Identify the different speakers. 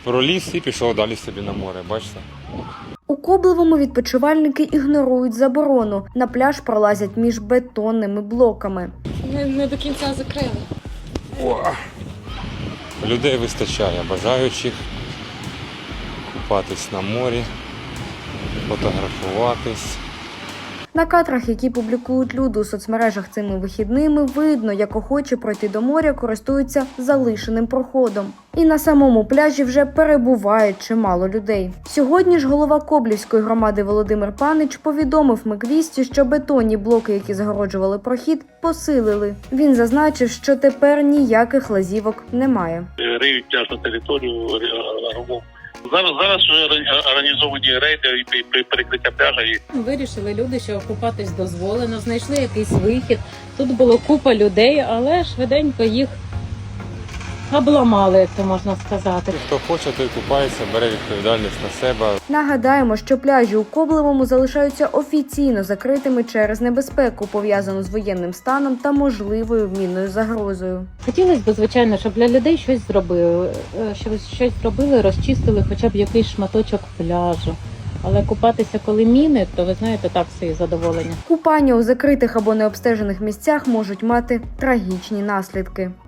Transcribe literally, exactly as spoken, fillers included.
Speaker 1: проліз і пішов далі собі на море, бачите?
Speaker 2: У Коблевому відпочивальники ігнорують заборону. На пляж пролазять між бетонними блоками.
Speaker 3: Не, не до кінця закрили.
Speaker 1: О! Людей вистачає, бажаючих купатись на морі, фотографуватись.
Speaker 2: На кадрах, які публікують люди у соцмережах цими вихідними, видно, як охочі пройти до моря користуються залишеним проходом. І на самому пляжі вже перебуває чимало людей. Сьогодні ж голова Коблівської громади Володимир Панич повідомив Миквісті, що бетонні блоки, які загороджували прохід, посилили. Він зазначив, що тепер ніяких лазівок немає.
Speaker 4: Риють пляжну територію ровом. Зараз, зараз вже організовані рейди і перекриття пляжа.
Speaker 3: Вирішили люди, що купатись дозволено, знайшли якийсь вихід. Тут було купа людей, але швиденько їх обламали, як це можна сказати.
Speaker 1: Хто хоче, той купається, бере відповідальність на себе.
Speaker 2: Нагадаємо, що пляжі у Коблевому залишаються офіційно закритими через небезпеку, пов'язану з воєнним станом та можливою мінною загрозою.
Speaker 3: Хотілося б, звичайно, щоб для людей щось зробили, щоб щось зробили, розчистили хоча б якийсь шматочок пляжу. Але купатися, коли міни, то ви знаєте, так собі задоволення.
Speaker 2: Купання у закритих або необстежених місцях можуть мати трагічні наслідки.